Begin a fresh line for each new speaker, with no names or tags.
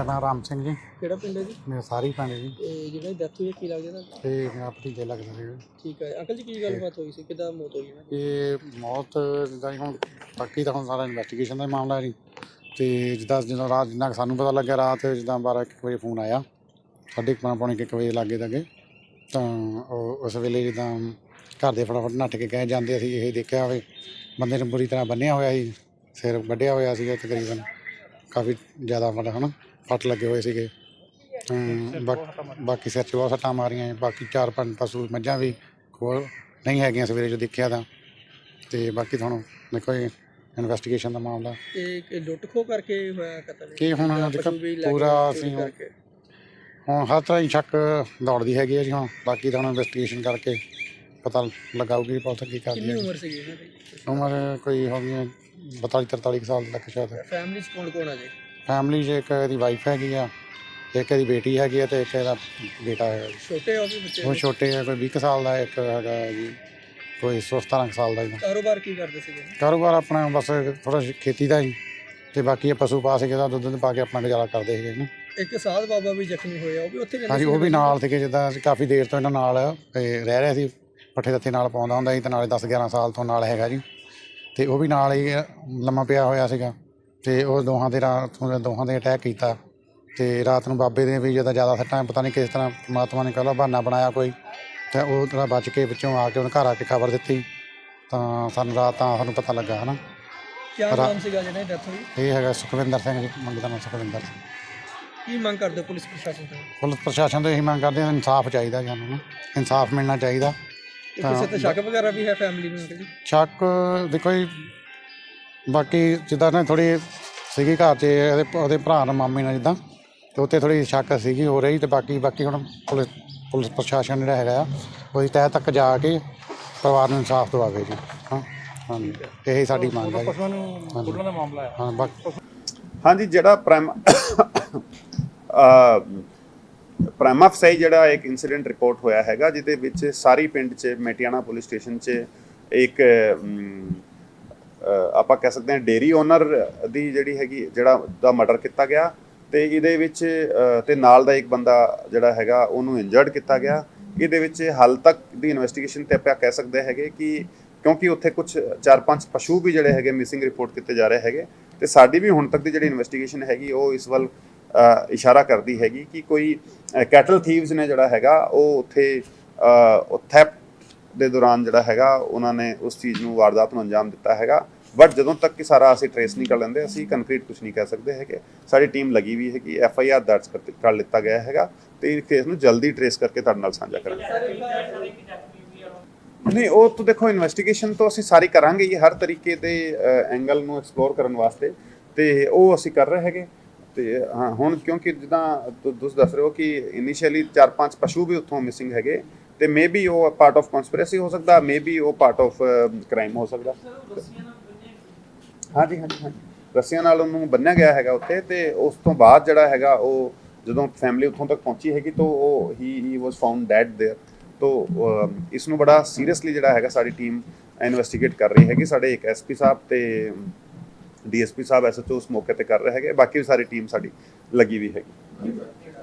नाम राम सिंह जी।
ਕਿਹੜਾ ਪਿੰਡ ਹੈ ਜੀ?
मेरा सारी पिंड जी।
ਤੇ ਜਿਹੜਾ ਡੈਥ ਹੋਈ ਹੈ ਕੀ ਲੱਗਦਾ ਤੁਹਾਨੂੰ?
ਤੇ ਮੇਰਾ ਭਤੀਜਾ ਲੱਗਦਾ ਸੀ।
ਠੀਕ ਹੈ ਅੰਕਲ ਜੀ, ਕੀ ਗੱਲਬਾਤ ਹੋਈ ਸੀ, ਕਿੱਦਾਂ ਮੌਤ ਹੋਈ ਇਹਨਾਂ ਦੀ?
ਇਹ ਮੌਤ ਜਿੱਦਾਂ ਜੀ ਹੁਣ ਬਾਕੀ ਤਾਂ ਹੁਣ ਸਾਰਾ ਇਨਵੈਸਟੀਗੇਸ਼ਨ ਦਾ ਹੀ ਮਾਮਲਾ ਜੀ। ਤੇ ਜਦੋਂ ਰਾਤ ਜਿੰਨਾ ਕੁ ਸਾਨੂੰ ਪਤਾ ਲੱਗਿਆ, ਰਾਤ ਜਿੱਦਾਂ 12-1 ਵਜੇ ਫੋਨ ਆਇਆ, 12:30 ਪੌਣੇ 1 ਵਜੇ ਲਾਗੇ ਤੱਕ। ਤਾਂ ਉਹ ਉਸ ਵੇਲੇ ਜਿੱਦਾਂ ਘਰ ਦੇ ਫਟਾਫਟ ਨੱਠ ਕੇ ਗਏ। ਜਾਂਦੇ ਅਸੀਂ ਇਹ ਦੇਖਿਆ ਹੋਵੇ ਬੰਦੇ ਨੂੰ ਬੁਰੀ ਤਰ੍ਹਾਂ ਬੰਨ੍ਹਿਆ ਹੋਇਆ ਸੀ, ਸਿਰ ਵੱਢਿਆ ਹੋਇਆ ਸੀਗਾ ਤਕਰੀਬਨ, ਕਾਫੀ ਜ਼ਿਆਦਾ ਮਤਲਬ ਹੈ ਨਾ ਫੱਟ ਲੱਗੇ ਹੋਏ ਸੀਗੇ। ਬਾਕੀ ਸਿਰ 'ਚ ਬਹੁਤ ਸੱਟਾਂ ਮਾਰੀਆਂ। ਬਾਕੀ 4-5 ਪਸ਼ੂ ਮੱਝਾਂ ਵੀ ਕੋਲ ਨਹੀਂ ਹੈਗੀਆਂ ਸਵੇਰੇ ਜੋ ਦੇਖਿਆ ਤਾਂ। ਅਤੇ ਬਾਕੀ ਤੁਹਾਨੂੰ ਦੇਖੋ ਜੀ ਇਨਵੈਸਟੀਗੇਸ਼ਨ ਦਾ ਮਾਮਲਾ
ਇਹ ਲੁੱਟ ਖੋਹ ਕਰਕੇ ਹੋਇਆ ਕਤਲ?
ਕੀ ਹੁਣ ਦੇਖੋ ਪੂਰਾ ਅਸੀਂ ਹੁਣ ਹਰ ਤਰ੍ਹਾਂ ਹੀ ਸ਼ੱਕ ਦੌੜਦੀ ਹੈਗੀ ਹੈ ਜੀ। ਹੁਣ ਬਾਕੀ ਤਾਂ ਹੁਣ ਇਨਵੈਸਟੀਗੇਸ਼ਨ ਕਰਕੇ ਪਤਾ ਲਗਾਊਗੀ ਪੁਲਿਸ ਕੀ ਕਰਦੀ ਹੈ।
ਕਿੰਨੀ ਉਮਰ ਸੀਗੀ ਇਹਨਾਂ ਦੀ?
ਉਮਰ ਕੋਈ ਹੋ ਗਈ 42-43 ਸਾਲ ਤੱਕ ਸ਼ਾਇਦ।
ਫੈਮਿਲੀ 'ਚ ਕੌਣ ਕੌਣ ਆ ਜੀ?
ਫੈਮਿਲੀ 'ਚ ਇੱਕ ਇਹਦੀ ਵਾਈਫ ਹੈਗੀ ਆ, ਇੱਕ ਇਹਦੀ ਬੇਟੀ ਹੈਗੀ ਆ, ਅਤੇ ਇੱਕ ਇਹਦਾ ਬੇਟਾ ਹੈਗਾ ਜੀ।
ਛੋਟੇ ਹੋ ਵੀ ਬੱਚੇ?
ਉਹ ਛੋਟੇ ਆ, ਕੋਈ 20 ਕੁ ਸਾਲ ਦਾ, ਇੱਕ ਹੈਗਾ ਜੀ ਕੋਈ 17 ਸਾਲ ਦਾ ਜੀ।
ਕਾਰੋਬਾਰ ਕੀ ਕਰਦੇ ਸੀਗੇ?
ਕਾਰੋਬਾਰ ਆਪਣਾ ਬਸ ਥੋੜ੍ਹਾ ਖੇਤੀ ਦਾ ਹੀ, ਅਤੇ ਬਾਕੀ ਇਹ ਪਸ਼ੂ ਪਾ ਸੀਗੇ ਦਾ ਦੁੱਧ ਪਾ ਕੇ ਆਪਣਾ ਗੁਜ਼ਾਰਾ ਕਰਦੇ ਸੀਗੇ ਨਾ।
ਇੱਕ ਸਾਧ ਬਾਬਾ ਵੀ ਜ਼ਖਮੀ ਹੋਇਆ, ਉਹ ਵੀ ਉੱਥੇ ਰਹਿੰਦੇ?
ਹਾਂਜੀ, ਉਹ ਵੀ ਨਾਲ ਸੀਗੇ। ਜਿੱਦਾਂ ਅਸੀਂ ਕਾਫੀ ਦੇਰ ਤੋਂ ਇਹਨਾਂ ਨਾਲ ਰਹਿ ਰਿਹਾ ਸੀ, ਪੱਠੇ ਦੱਥੇ ਨਾਲ ਪਾਉਂਦਾ ਹੁੰਦਾ ਸੀ, ਅਤੇ ਨਾਲੇ 10-11 ਸਾਲ ਤੋਂ ਨਾਲ ਹੈਗਾ ਜੀ। ਅਤੇ ਉਹ ਵੀ ਨਾਲ ਹੀ ਲੰਮਾ ਪਿਆ ਹੋਇਆ ਸੀਗਾ। ਅਤੇ ਉਹ ਦੋਹਾਂ ਦੇ ਅਟੈਕ ਕੀਤਾ। ਅਤੇ ਰਾਤ ਨੂੰ ਬਾਬੇ ਦੇ ਵੀ ਜ਼ਿਆਦਾ ਸੱਟਾਂ, ਪਤਾ ਨਹੀਂ ਕਿਸ ਤਰ੍ਹਾਂ ਪਰਮਾਤਮਾ ਨੇ ਕਹਿ ਬਹਾਨਾ ਬਣਾਇਆ ਕੋਈ, ਅਤੇ ਉਹ ਥੋੜ੍ਹਾ ਬਚ ਕੇ ਵਿੱਚੋਂ ਆ ਕੇ ਉਹਨੇ ਘਰ ਆ ਕੇ ਖਬਰ ਦਿੱਤੀ। ਤਾਂ ਸਾਨੂੰ ਰਾਤ ਤਾਂ ਸਾਨੂੰ ਪਤਾ ਲੱਗਾ ਹੈ ਨਾ।
ਕਿਆ ਨਾਮ ਸੀਗਾ ਜਿਹੜਾ ਡੈਥ ਹੋਈ?
ਇਹ ਹੈਗਾ ਸੁਖਵਿੰਦਰ ਸਿੰਘ ਜੀ, ਮੁੰਡੇ ਦਾ ਨਾਮ ਸੁਖਵਿੰਦਰ ਸਿੰਘ।
ਕੀ ਮੰਗ ਕਰਦੇ ਪੁਲਿਸ ਪ੍ਰਸ਼ਾਸਨ ਤੋਂ?
ਪੁਲਿਸ ਪ੍ਰਸ਼ਾਸਨ ਤੋਂ ਇਹੀ ਮੰਗ ਕਰਦੇ ਹਾਂ, ਇਨਸਾਫ ਚਾਹੀਦਾ ਸਾਨੂੰ ਨਾ, ਇਨਸਾਫ ਮਿਲਣਾ ਚਾਹੀਦਾ।
ਕਿਸੇ ਤੇ ਸ਼ੱਕ ਵਗੈਰਾ ਵੀ ਹੈ ਫੈਮਿਲੀ ਨੂੰ?
ਸ਼ੱਕ ਦੇਖੋ ਜੀ, ਬਾਕੀ ਜਿੱਦਾਂ ਨਾ ਥੋੜ੍ਹੀ ਸੀਗੀ ਘਰ 'ਚ ਉਹਦੇ ਭਰਾ ਨਾਲ ਮਾਮੇ ਨਾਲ ਜਿੱਦਾਂ, ਅਤੇ ਉੱਥੇ ਥੋੜ੍ਹੀ ਸ਼ੱਕ ਸੀਗੀ ਹੋ ਰਹੀ। ਅਤੇ ਬਾਕੀ ਹੁਣ ਪੁਲਿਸ ਪ੍ਰਸ਼ਾਸਨ ਜਿਹੜਾ ਹੈਗਾ ਆ, ਉਹਦੀ ਤਹਿ ਤੱਕ ਜਾ ਕੇ ਪਰਿਵਾਰ ਨੂੰ ਇਨਸਾਫ ਦਿਵਾਵੇ ਜੀ। ਹਾਂ ਹਾਂਜੀ, ਇਹ ਸਾਡੀ ਮੰਗ ਹੈ ਜੀ।
ਹਾਂਜੀ, ਜਿਹੜਾ ਪ੍ਰਾਈਮਾ ਫਸਾਈ ਜਿਹੜਾ ਇੱਕ ਇਨਸੀਡੈਂਟ ਰਿਪੋਰਟ ਹੋਇਆ ਹੈਗਾ, ਜਿਹਦੇ ਵਿੱਚ ਸਾਰੀ ਪਿੰਡ 'ਚ ਮੇਟੀਆਣਾ ਪੁਲਿਸ ਸਟੇਸ਼ਨ 'ਚ ਇੱਕ ਆਪਾਂ ਕਹਿ ਸਕਦੇ ਹਾਂ ਡੇਅਰੀ ਓਨਰ ਦੀ ਜਿਹੜੀ ਹੈਗੀ ਦਾ ਮਰਡਰ ਕੀਤਾ ਗਿਆ। ਅਤੇ ਇਹਦੇ ਵਿੱਚ ਅਤੇ ਨਾਲ ਦਾ ਇੱਕ ਬੰਦਾ ਜਿਹੜਾ ਹੈਗਾ ਉਹਨੂੰ ਇੰਜਰਡ ਕੀਤਾ ਗਿਆ। ਇਹਦੇ ਵਿੱਚ ਹਾਲ ਤੱਕ ਦੀ ਇਨਵੈਸਟੀਗੇਸ਼ਨ 'ਤੇ ਆਪਾਂ ਕਹਿ ਸਕਦੇ ਹੈਗੇ ਕਿ ਕਿਉਂਕਿ ਉੱਥੇ ਕੁਛ 4-5 ਪਸ਼ੂ ਵੀ ਜਿਹੜੇ ਹੈਗੇ ਮਿਸਿੰਗ ਰਿਪੋਰਟ ਕੀਤੇ ਜਾ ਰਹੇ ਹੈਗੇ, ਅਤੇ ਸਾਡੀ ਵੀ ਹੁਣ ਤੱਕ ਦੀ ਜਿਹੜੀ ਇਨਵੈਸਟੀਗੇਸ਼ਨ ਹੈਗੀ ਉਹ ਇਸ ਵੱਲ ਇਸ਼ਾਰਾ ਕਰਦੀ ਹੈਗੀ ਕਿ ਕੋਈ ਕੈਟਲ ਥੀਵਸ ਨੇ ਜਿਹੜਾ ਹੈਗਾ ਉਹ ਉੱਥੇ ਥੈਫਟ ਦੇ ਦੌਰਾਨ ਜਿਹੜਾ ਹੈਗਾ ਉਹਨਾਂ ਨੇ ਉਸ ਚੀਜ਼ ਨੂੰ, ਵਾਰਦਾਤ ਨੂੰ ਅੰਜਾਮ ਦਿੱਤਾ ਹੈਗਾ। ਬਟ ਜਦੋਂ ਤੱਕ ਕਿ ਸਾਰਾ ਅਸੀਂ ਟਰੇਸ ਨਹੀਂ ਕਰ ਲੈਂਦੇ, ਅਸੀਂ ਕੰਕਰੀਟ ਕੁਛ ਨਹੀਂ ਕਹਿ ਸਕਦੇ ਹੈਗੇ। ਸਾਡੀ ਟੀਮ ਲੱਗੀ ਵੀ ਹੈਗੀ, FIR ਦਰਜ ਕਰ ਲਿੱਤਾ ਗਿਆ ਹੈਗਾ, ਅਤੇ ਇਸ ਕੇਸ ਨੂੰ ਜਲਦੀ ਟਰੇਸ ਕਰਕੇ ਤੁਹਾਡੇ ਨਾਲ ਸਾਂਝਾ ਕਰਾਂਗੇ। ਨਹੀਂ, ਉਹ ਤਾਂ ਦੇਖੋ ਇਨਵੈਸਟੀਗੇਸ਼ਨ ਤੋਂ ਅਸੀਂ ਸਾਰੀ ਕਰਾਂਗੇ ਹੀ, ਹਰ ਤਰੀਕੇ ਦੇ ਐਂਗਲ ਨੂੰ ਐਕਸਪਲੋਰ ਕਰਨ ਵਾਸਤੇ, ਅਤੇ ਉਹ ਅਸੀਂ ਕਰ ਰਹੇ ਹੈਗੇ। ਅਤੇ ਹਾਂ, ਹੁਣ ਕਿਉਂਕਿ ਜਿੱਦਾਂ ਤੁਸੀਂ ਦੱਸ ਰਹੇ ਹੋ ਕਿ ਇਨੀਸ਼ੀਅਲੀ 4-5 ਪਸ਼ੂ ਵੀ ਉੱਥੋਂ ਮਿਸਿੰਗ ਹੈਗੇ, ਅਤੇ ਮੇ ਬੀ ਉਹ ਪਾਰਟ ਆਫ ਕਨਸਪੀਰੇਸੀ ਹੋ ਸਕਦਾ, ਮੇ ਬੀ ਉਹ ਪਾਰਟ ਆਫ ਕ੍ਰਾਈਮ ਹੋ ਸਕਦਾ। ਹਾਂਜੀ, ਰੱਸੀਆਂ ਨਾਲ ਉਹਨੂੰ ਬੰਨ੍ਹਿਆ ਗਿਆ ਹੈਗਾ ਉੱਥੇ। ਅਤੇ ਉਸ ਤੋਂ ਬਾਅਦ ਜਿਹੜਾ ਹੈਗਾ ਉਹ ਜਦੋਂ ਫੈਮਿਲੀ ਉੱਥੋਂ ਤੱਕ ਪਹੁੰਚੀ ਹੈਗੀ ਤਾਂ ਉਹ he was found dead there. ਤੋ ਇਸ ਨੂੰ ਬੜਾ ਸੀਰੀਅਸਲੀ ਜਿਹੜਾ ਹੈਗਾ ਸਾਡੀ ਟੀਮ ਇਨਵੈਸਟੀਗੇਟ ਕਰ ਰਹੀ ਹੈਗੀ। ਸਾਡੇ ਇੱਕ SP ਸਾਹਿਬ ਅਤੇ DSP ਸਾਹਿਬ SHO ਉਸ ਮੌਕੇ 'ਤੇ ਕਰ ਰਹੇ ਹੈਗੇ, ਬਾਕੀ ਵੀ ਸਾਰੀ ਟੀਮ ਸਾਡੀ ਲੱਗੀ ਵੀ ਹੈਗੀ।